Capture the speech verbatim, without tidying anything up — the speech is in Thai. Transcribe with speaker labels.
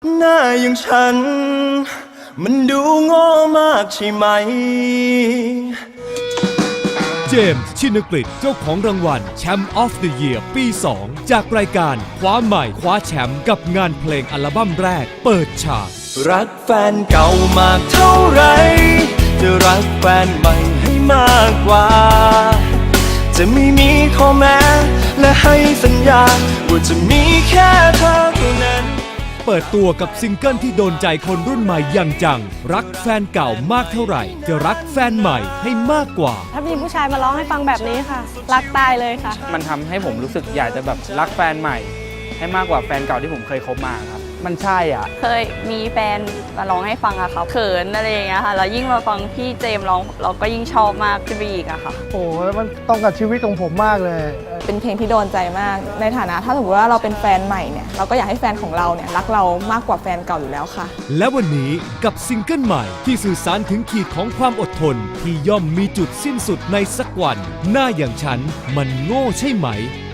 Speaker 1: หน้าอย่างฉันมันดูโง่มากใช่ไหม
Speaker 2: เจมส์ชินกฤษเจ้าของรางวัลแชมป์ออฟเดอะเยียร์ปีสองจากรายการคว้าใหม่คว้าแชมป์กับงานเพลงอัลบั้มแรกเปิดฉาก
Speaker 1: รักแฟนเก่ามากเท่าไรจะรักแฟนใหม่ให้มากกว่าจะไม่มีข้อแม้และให้สัญญาว่าจะมีแค่เธอเท่านั้น
Speaker 2: เปิดตัวกับซิงเกิลที่โดนใจคนรุ่นใหม่อย่างจังรักแฟนเก่ามากเท่าไหร่จะรักแฟนใหม่ให้มากกว่า
Speaker 3: ถ้ามีผู้ชายมาร้องให้ฟังแบบนี้ค่ะรักตายเลยค่ะ
Speaker 4: มันทำให้ผมรู้สึกอยากจะแบบรักแฟนใหม่ให้มากกว่าแฟนเก่าที่ผมเคยคบมาครับมันใช่อ่ะ
Speaker 5: เคยมีแฟนมาร้องให้ฟังอะค่ะเขินอะไรอย่างเงี้ยค่ะแล้วยิ่งมาฟังพี่เจมร้องเราก็ยิ่งชอบมากขึ้นไปอีกอะค่ะ
Speaker 6: โอ้มันตรงกับชีวิตของผมมากเลย
Speaker 7: เป็นเพลงที่โดนใจมากในฐานะถ้าสมมติว่าเราเป็นแฟนใหม่เนี่ยเราก็อยากให้แฟนของเราเนี่ยรักเรามากกว่าแฟนเก่าอยู่แล้วค่ะ
Speaker 2: และวันนี้กับซิงเกิลใหม่ที่สื่อสารถึงขีดของความอดทนที่ย่อมมีจุดสิ้นสุดในสักวันหน้าอย่างฉันมันโง่ใช่ไหม